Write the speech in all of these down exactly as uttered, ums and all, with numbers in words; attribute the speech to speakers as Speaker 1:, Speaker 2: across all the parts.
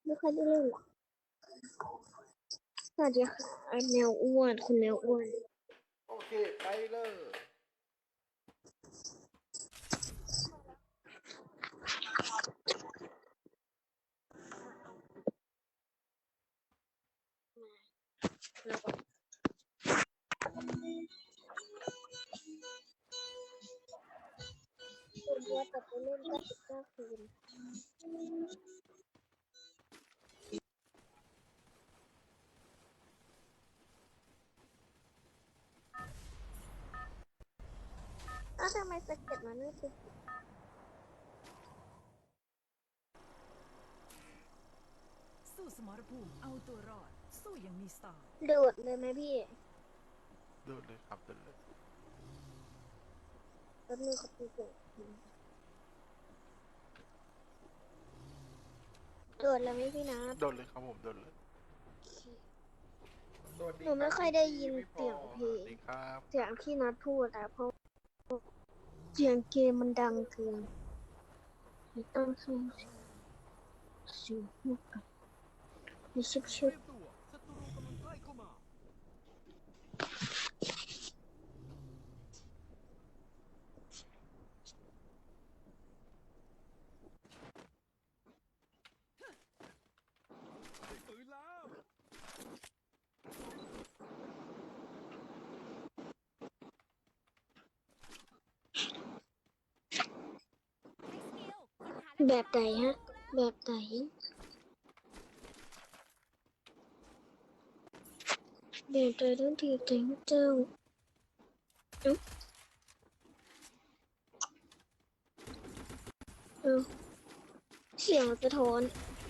Speaker 1: ไม่ค่อยได้เล่นหรอกสวัสดีค่ะไอ้แมวอ้วนคุณแมวอ้วน
Speaker 2: โอเคไปเลย
Speaker 1: แล้วก็คุณบัวจะไปเล่นก็สิบเก้าคืนอ้าวทำไมสเก็ตมันไม่ติด
Speaker 3: สู้สมรภูมิเอาตัวรอดสู้อย่างมีสไตล์
Speaker 1: โดดเลยไหมพี่
Speaker 2: โดดเลยครับโดดเลย
Speaker 1: แป๊บนึงเขาตีเกิดโดดเลยไหมพี่นะ
Speaker 2: โดดเลยครับผมโดดเลยสวัสดี
Speaker 1: หนูไม่
Speaker 2: รับ
Speaker 1: ค่อยได้ยิน
Speaker 2: พี่พ
Speaker 1: เสียงเพล
Speaker 2: สวั
Speaker 1: ง
Speaker 2: สดีครับ
Speaker 1: เสียงที่นัดพูดอะเพราะเสียงเกมมันดังเกินไม่ต้องใช้เสียงพูดกันไม่ชิบชิบ
Speaker 4: ตัวศัตรูกำลังใกล้เข้ามาได้ปืนแล้ว
Speaker 1: แบบไหนฮะแบบไหนแบบไหนต้องทีแต่งเจ้าเอ้าเอ้าเสียงสะท้อน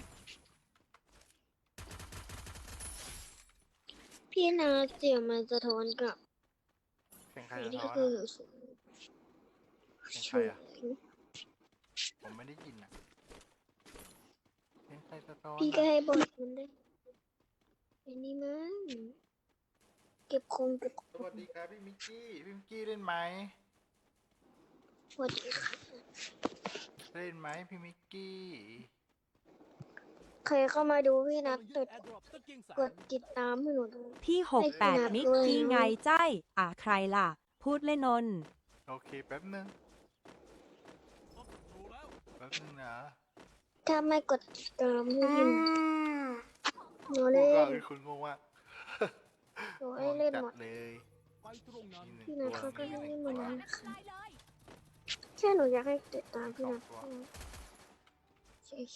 Speaker 1: พี่นาเสียงมันสะท้อนกับ
Speaker 2: เสียงใคร
Speaker 1: อัน
Speaker 2: สะ
Speaker 1: นี้
Speaker 2: ท้อน
Speaker 1: คือ
Speaker 2: อะ
Speaker 1: เสียง
Speaker 2: เสียงใครอะผมไม่ได้ยินอะเสียงใครสะท้อน
Speaker 1: พี่ก็
Speaker 2: อะ
Speaker 1: ให้บอดมันได้อันนี้มั้งเก็บคงเก็บค
Speaker 2: ส
Speaker 1: ง
Speaker 2: วัสดีครับพี่มิกกี้พี่มิกกี้เล่นไหม
Speaker 1: สวัสดีค่ะ
Speaker 2: เล่นไหมพี่มิกกี้
Speaker 1: ใครเข้ามาดูพี่นั
Speaker 4: กำ
Speaker 1: ด
Speaker 4: ลังยึ
Speaker 1: ก
Speaker 4: ด
Speaker 1: ด
Speaker 4: แอร์ดรอปกางเกงแส
Speaker 1: กด
Speaker 4: น
Speaker 1: ติดตามให้หนูด้วย
Speaker 5: พี่หก
Speaker 1: ให้
Speaker 5: แป
Speaker 1: พี่
Speaker 5: ด
Speaker 1: นัด
Speaker 5: มิก
Speaker 1: ด้วย
Speaker 5: กี้ไง
Speaker 1: นะ
Speaker 5: ใจอ่ะใครล่ะ พูดเล่นนน
Speaker 2: โอเคแป๊บนึง
Speaker 4: พบศัตรูแล้ว
Speaker 2: แป๊บนึงนะ
Speaker 1: ถ้าไม่กดติดตามให้พี่นัดหนู
Speaker 2: พูด
Speaker 1: เล่
Speaker 2: ว่าน คือคุณงงว่า
Speaker 1: หนู
Speaker 2: ง
Speaker 1: ให้
Speaker 2: ง
Speaker 1: เล่น
Speaker 2: จั
Speaker 1: ห
Speaker 2: ด
Speaker 1: มด
Speaker 2: เลย
Speaker 4: ไปตรงนั้น
Speaker 2: มีหนึ่ง
Speaker 1: พี่
Speaker 2: ตั
Speaker 1: นัด
Speaker 2: ว
Speaker 1: เขาก็
Speaker 2: มี
Speaker 1: ให้
Speaker 2: หนึ่ง
Speaker 1: เล่นหม
Speaker 2: ตั
Speaker 1: ด
Speaker 2: ว
Speaker 1: แล้วค่ะแค่หนูอยากให้ติดตามพี่
Speaker 2: สอ
Speaker 1: นั
Speaker 2: ง
Speaker 1: ด
Speaker 2: ตัว
Speaker 1: เฉย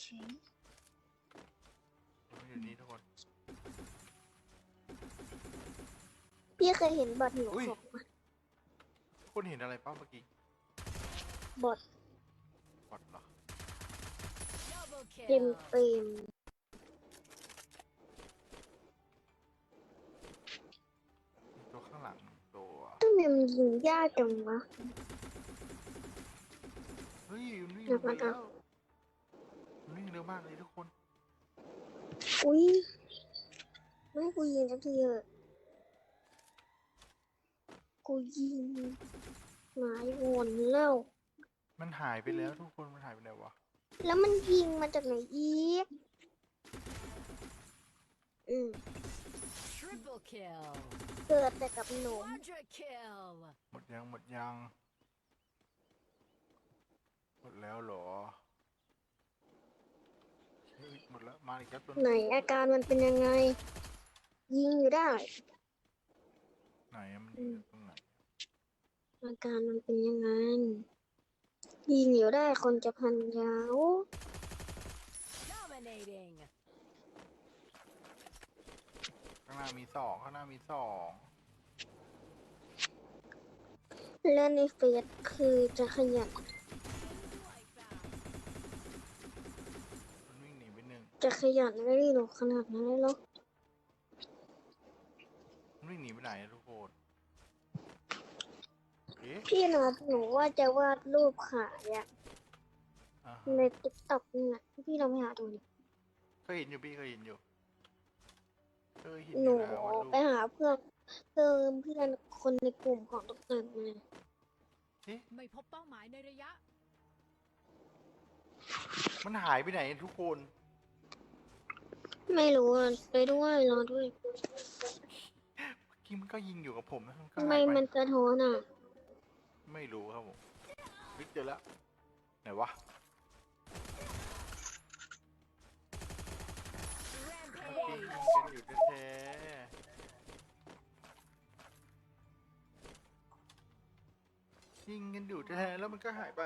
Speaker 2: อยู่นี่ทุกคน
Speaker 1: ๆพี่เคยเห็นบอทหนู
Speaker 2: อุ้ย
Speaker 1: ของไหม
Speaker 2: คุณเห็นอะไรเป้าเมื่อกี้
Speaker 1: บอท
Speaker 2: บอดเหรอ
Speaker 1: เต็มเต็ม
Speaker 2: มีตัวข้างหลังหนึ่งตัว
Speaker 1: ทำไมมันยิงยากจังวะ
Speaker 2: เฮ้ยมันวิ่ง
Speaker 1: เดี๋ยว
Speaker 2: ไป
Speaker 1: ก่อนนะ
Speaker 2: แล้วมันวิ่งเร็วมากเลยทุกคน
Speaker 1: อุ้ยไม่ให้กูยิงสักทีเถอะกูยิงหลายวนแล้ว
Speaker 2: มันหายไปแล้วทุกคนมันหายไปไหนวะ
Speaker 1: แล้วมันยิงมาจากไหนอีกอืม
Speaker 3: Triple kill
Speaker 1: เกิดแต่กับหนู
Speaker 3: Quadra kill
Speaker 2: หมดยังหมดยังหมดแล้วเหรอเฮ้ยหมดแล้วมาอีกแล้วตัว
Speaker 1: ไหนอาการมันเป็นยังไง ยิงอยู่ได้
Speaker 2: ไหนอะมันอยู่ตรงไหน
Speaker 1: อาการมันเป็นยังไง ยิงอยู่ได้คนจะพันยาว
Speaker 3: dominating
Speaker 2: ข้างหน้ามีสองข้างหน้ามีสอง
Speaker 1: และในเฟซคือจะขยัน
Speaker 2: มันวิ่งหนีไปหนึ่ง
Speaker 1: จะขยันไม่ได้หรอกขนาดนั้นเลยหรอก
Speaker 2: มันวิ่งหนีไปไหนอะทุกคนเอ๊ะ
Speaker 1: พี่นัดหนูว่าจะวาดรูปขายอะ
Speaker 2: อ่า
Speaker 1: ใน
Speaker 2: ฮะ
Speaker 1: ติ๊กต็อกนี่แหละพี่ลองไปหาดูดิ
Speaker 2: เคยเห็นอยู่พี่เคยเห็นอยู่เคยเห็น
Speaker 1: ห
Speaker 2: อ
Speaker 1: นู
Speaker 2: ยู่แล้วว่าลูก
Speaker 1: ไปหาเพื่อนเพิ่มเพื่อนคนในกลุ่มของตุ๊กตามา
Speaker 2: เอ๊ะ
Speaker 3: ไม่พบเป้าหมายในระยะ
Speaker 2: มันหายไปไหนทุกคน
Speaker 1: ไม่รู้อะไปด้วยรอด้วย
Speaker 2: เมื่อกี้มันก็ยิงอยู่กับผมนะมันก็
Speaker 1: ทำไม
Speaker 2: หายไป
Speaker 1: มันสะท้อนอ่ะ
Speaker 2: ไม่รู้ครับผมวิกเจอแล้วไหนวะเมื่อกี้ยิงกันอยู่แท้ๆยิงกันอยู่แท้ๆแล้วมันก็หายไป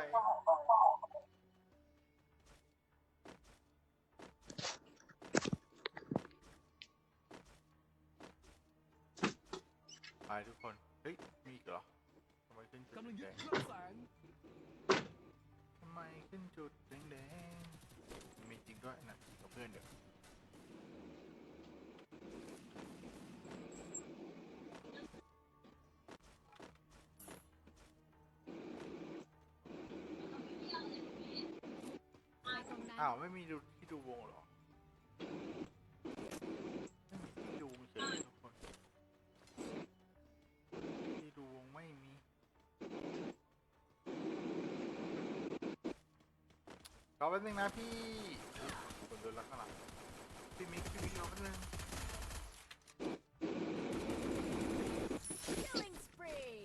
Speaker 2: ไปทุกคนเฮ้ยมีอีกเหรอทำไมขึ้นจุด
Speaker 4: กำลังยึ
Speaker 2: แด
Speaker 4: ด
Speaker 2: ง
Speaker 4: เครื่องแสง
Speaker 2: ๆทำไมขึ้นจุดแดงๆมีจริงด้วยนะกับเพื่อนเดี๋ยวอ้าวไม่มีดูที่ดูวงเหรอไม่มีที่ดูเฉยเลยทุกคนที่ดูวงไม่มีรอแป๊บนึงนะพี่คนโดนลักข้างหลังพี่มิกพี่มิกรอแป๊บนึง
Speaker 3: Killing spree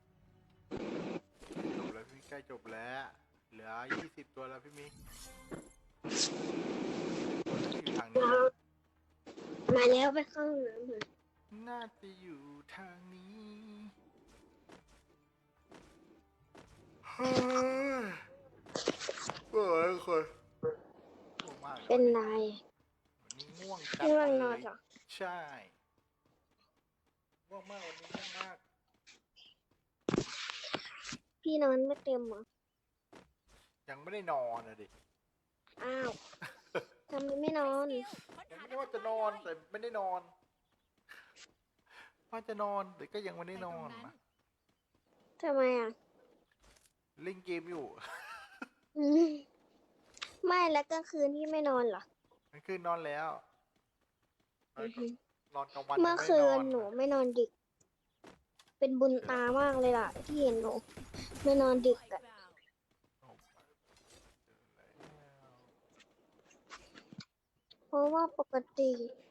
Speaker 2: จบแล้วพี่ใกล้จบแล้วเหลือยี่สิบตัวแล้วพี่มิกอยู่ทางนี้
Speaker 1: มาแล้วไปเข้าห้องน้ำเถอะ
Speaker 2: น่าจะอยู่ทางนี้เฮ้ยเฮ้ยคนง่วงมากลย
Speaker 1: เป็นไร
Speaker 2: วันนี้ง่วงจัด
Speaker 1: ง่วงน
Speaker 2: เล
Speaker 1: อน
Speaker 2: ย
Speaker 1: เหรอ
Speaker 2: ใช่ง่วงมากวันนี้ง่วงมาก
Speaker 1: พี่นอนไม่เต็มเหรอ
Speaker 2: ยังไม่ได้นอนนะดิ
Speaker 1: อ้าวทำไมไม่นอน
Speaker 2: ยังไม่ได้ว่าจะนอนแต่ไม่ได้นอนว่าจะนอนแต่ก็ยังไม่ได้นอนนะ
Speaker 1: ทำไมอ่ะ
Speaker 2: เล่นเกมอยู่
Speaker 1: อืมไม่แล้วกลางคืนที่ไม่นอนเหรอ
Speaker 2: มันคืนนอนแล้วนอน
Speaker 1: อือฮึ
Speaker 2: นอนกลางวัน
Speaker 1: เมื่อ
Speaker 2: ยังไได้
Speaker 1: คืน
Speaker 2: น
Speaker 1: หนูไม่นอนดึก เป็นบุญตามากเลยล่ะ ที่เห็นหนูไม่นอนดึกอ่ะ เพราะว่าปกติ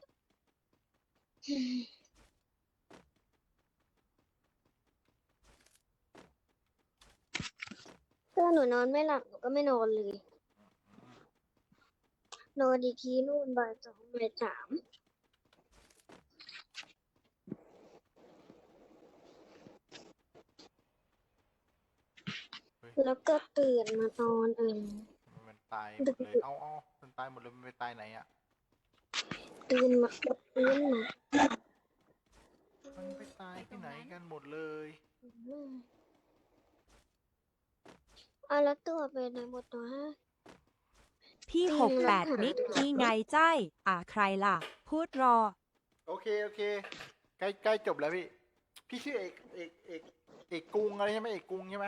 Speaker 1: ถ้าหนูนอนไม่หลับหนูก็ไม่นอนเลย นอนอีกทีนู่นบ่ายสองบ่ายสามแล้วก็ตื่นมานอนเอง
Speaker 2: มันตายหมดเลย เอาเอามันตายหมดเลย มันไปตายไหนอ่ะ
Speaker 1: ตื่นมาตื่นมา
Speaker 2: มันไปตายที่ไหนกันหมดเลย
Speaker 1: เอาแล้วตัวไปไหนหมดตัวฮะ
Speaker 5: พี่
Speaker 1: จริง
Speaker 5: หกแปด
Speaker 1: แล้วค่ะ
Speaker 5: มิกกี้ไงใจายอ่าใครล่ะ พูดรอ
Speaker 2: โอเค โอเค ใกล้ใกล้จบแล้วพี่ พี่ชื่อเอกเอกเอกเอกกรุงอะไรใช่ไหมเอกกรุงใช่ไหม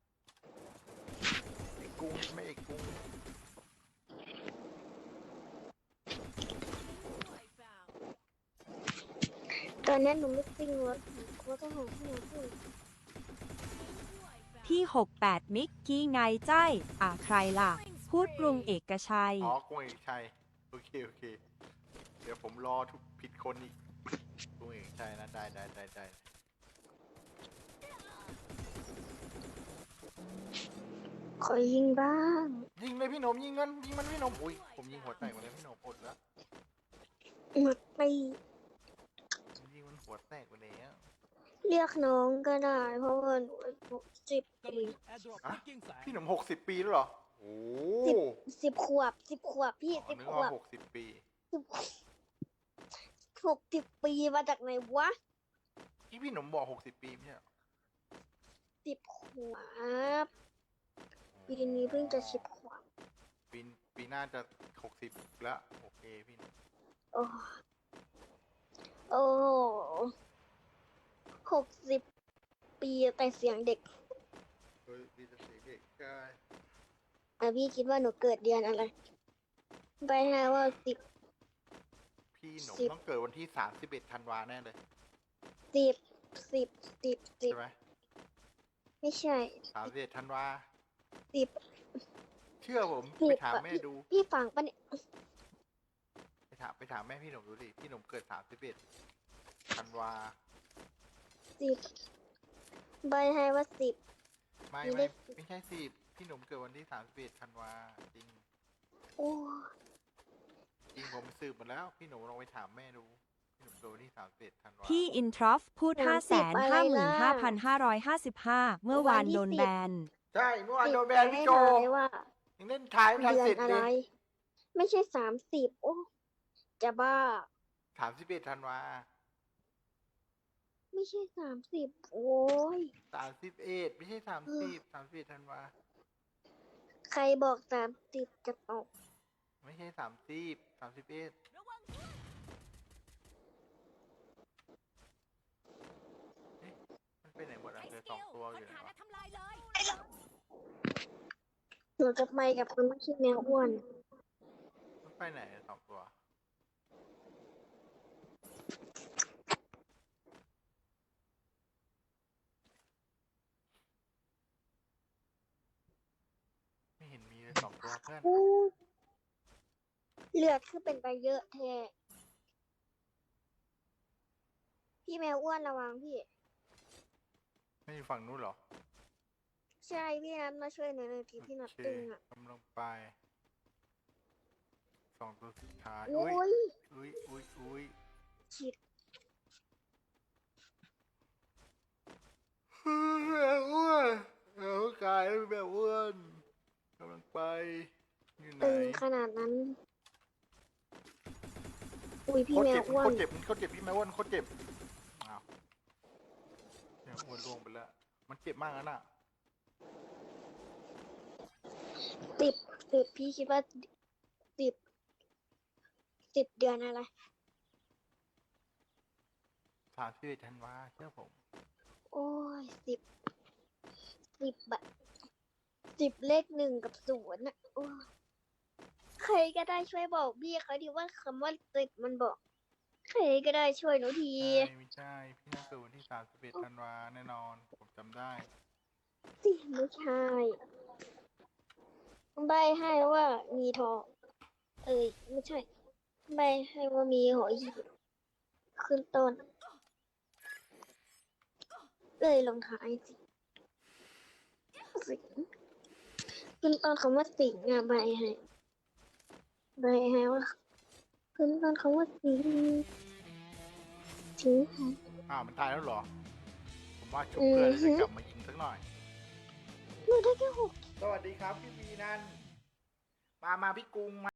Speaker 2: เอกกรุงใช่ไหมเอกกรุง
Speaker 1: ตอนนั้นหนูไม่ซิ่งรถหนูก็หาที่ไหนพูด
Speaker 5: พี่หกแปดมิกกี้ไงใจายอ่าใครล่ะ พูดกรุงเอกชัย
Speaker 2: อ๋อกรุงเอกชัย โอเค โอเค เดี๋ยวผมรอทุกผิดคนอีกกรุงเอกชัยนะ ได้ได้ได้ได้
Speaker 1: ขอยิงบ้าง
Speaker 2: ยิงเลยพี่หนมยิงมันยิงมันพี่หนมอุ้ยผมยิงหัวแตกหมดเลยพี่หนมอดแล้ว
Speaker 1: หมดปี
Speaker 2: ผมยิงมันหัวแตกหมดแล้ว
Speaker 1: เรียกน้องก็ได้ เพราะว่าหนูอายุสิบ
Speaker 4: กำลั
Speaker 1: ปี
Speaker 4: งยึดแอร์ดรอป
Speaker 2: อะ
Speaker 4: ที่เกียงแสง
Speaker 2: พี่หนมหกสิบปีแล้วเหรอ โอ้
Speaker 1: สิบ สิบขวบสิบขวบพี่
Speaker 2: อ๋อ
Speaker 1: สิบ
Speaker 2: นึก
Speaker 1: ขว
Speaker 2: ว่า
Speaker 1: บ
Speaker 2: หกสิบปี
Speaker 1: สิบหกสิบปีมาจากไหนวะ
Speaker 2: ที่พี่หนมบอกหกสิบปีไม่ใช่เหรอ
Speaker 1: สิบขวบปีนี้เพิ่งจะสิบขวบ
Speaker 2: ปีปีหน้าจะหกสิบแล้ว โอเคพี่หนม
Speaker 1: โอ้โอ้หกสิบปีแต่เสียงเด็ก
Speaker 2: เฮ้ยพี่จะเสียเด็กใช่
Speaker 1: อ่ะพี่คิดว่าหนูเกิดเดือนอะไรไปหาว่าสิบ
Speaker 2: พี่หนม
Speaker 1: สิบ
Speaker 2: ต้องเกิดวันที่สามสิบเอ็ดธันวาแน่เลย
Speaker 1: สิบสิบสิบสิบ
Speaker 2: ใช่ไหม
Speaker 1: ไม่ใช่
Speaker 2: สามสิบเอ็ดธันวา
Speaker 1: สิบ
Speaker 2: เชื่อผม
Speaker 1: สิ
Speaker 2: ไป
Speaker 1: บ
Speaker 2: ถาม
Speaker 1: อะ
Speaker 2: แม่
Speaker 1: พี่
Speaker 2: ดู
Speaker 1: พี่ฟังปะเนี่ย
Speaker 2: ไปถามไปถามแม่พี่หนุ่มดูดิพี่หนุ่มเกิดสามสิบเอ็ดธันวา
Speaker 1: สิบใบให้ว่าสิบ
Speaker 2: ไม่
Speaker 1: มีเล
Speaker 2: ไม่
Speaker 1: ขสิบ
Speaker 2: ไม่ใช่สิบพี่หนุ่มเกิดวันที่สามสิบเอ็ดธันวาจริง
Speaker 1: โอ้
Speaker 2: จริงผมไปสืบมาแล้วพี่หนุ่มลองไปถามแม่ดูพี่หนุ่มเกิดวันที่สามสิบเอ็ดธันวา
Speaker 5: พี่อินทรอฟพูด ห้าแสนห้าหมื่นห้าพันห้าร้อยห้าสิบห้า เมื่อวานโดนแบน
Speaker 2: ใช่เมื่อวานโดนแบน
Speaker 1: สิ
Speaker 2: พี่
Speaker 1: บ
Speaker 2: โจ
Speaker 1: แต่ไม่ได้ว่า
Speaker 2: ยังเล่นท้ายไม่ทัน
Speaker 1: เดือ
Speaker 2: เสร็
Speaker 1: น
Speaker 2: จ
Speaker 1: อะ
Speaker 2: เล
Speaker 1: ไร
Speaker 2: ย
Speaker 1: ไม่ใช่สามสิบโอ้จะบ้า
Speaker 2: สามสิบเอ็ดธันวา
Speaker 1: ไม่ใช่สามสิบโอ้ย
Speaker 2: สามสิบเอ็ดไม่ใช่สามสิบสามสิบเอ็ดธันวา
Speaker 1: ใครบอกสามสิบจะตก
Speaker 2: ไม่ใช่สามสิบสามสิบเอ็ดเอ๊ะมันไปไหนหมดอ่ะเหลือสองตัวอยู่ไหนวะ
Speaker 1: หนูจะไปกับคนที่ชื่อแมวอ้วน
Speaker 2: มันไปไหนสองตัว ไม่เห็นมีเลยสองตัวเพื่อน
Speaker 1: อู้เลือดคือเป็นไปเยอะแท้พี่แมวอ้วนระวังพี่
Speaker 2: ไม่อยู่ฝั่งนู้นเหรอ
Speaker 1: ใช่พี่นัทมาช่วยหน่อยหน่อยทีพี่นัท
Speaker 2: โอเค
Speaker 1: ตึงอ่ะ
Speaker 2: กำลังไปสองตัวสุดท้าย
Speaker 1: โอ้
Speaker 2: อุ้ย
Speaker 1: ย
Speaker 2: อุ้ยอุ้ยอุ้ย
Speaker 1: ฉีด
Speaker 2: แบบอ้วนเอากายแล้วแบบอ้วนกำลังไปอยู่ไหน
Speaker 1: ตึงขนาดนั้น อุ้ยพี่
Speaker 2: โคตร
Speaker 1: แม
Speaker 2: เจ็
Speaker 1: ว
Speaker 2: บ
Speaker 1: อ้ว
Speaker 2: โคน ตรเจ็บโคตรเจ็บพี่แม่อ้วนโคตรเจ็บอ้าวแม่อ้วนล่วงไปแล้วมันเจ็บมากนะน่ะ
Speaker 1: ติดติดพี่คิดว่าติดติดเดือนอะไร
Speaker 2: สามสิบเอ็ดธันวาเชื่อผม
Speaker 1: โอ้ยสิบสิบแบบสิบเลขหนึ่งกับศูนย์น่ะโอ้ยใครก็ได้ช่วยบอกพี่เขาดีว่าคำว่าติดมันบอก ใครก็ได้ช่วยหนูที
Speaker 2: ใช่ไม่ใช่พี่น่าเกิดวันที่สามสิบเอ็ดธันวาแน่นอนผมจำได้
Speaker 1: สิไม่ใช่ใบให้ว่ามีทอง เอ้ยไม่ใช่ใบให้ว่ามีหอยหีบขึ้นต้น เลยลงท้ายสิสิงขึ้นต้นคำว่าสิงอ่ะใบให้ใบให้ว่าขึ้นต้นคำว่าสิงสิง
Speaker 2: อ้าวมันตายแล้วเหรอ ผมว่าชุบเพื่อนแล้วจะกลับมายิงสักหน่อย
Speaker 1: หนูได้แค่หก
Speaker 2: สวัสดีครับพี่วีนันมามาพี่กรุงมา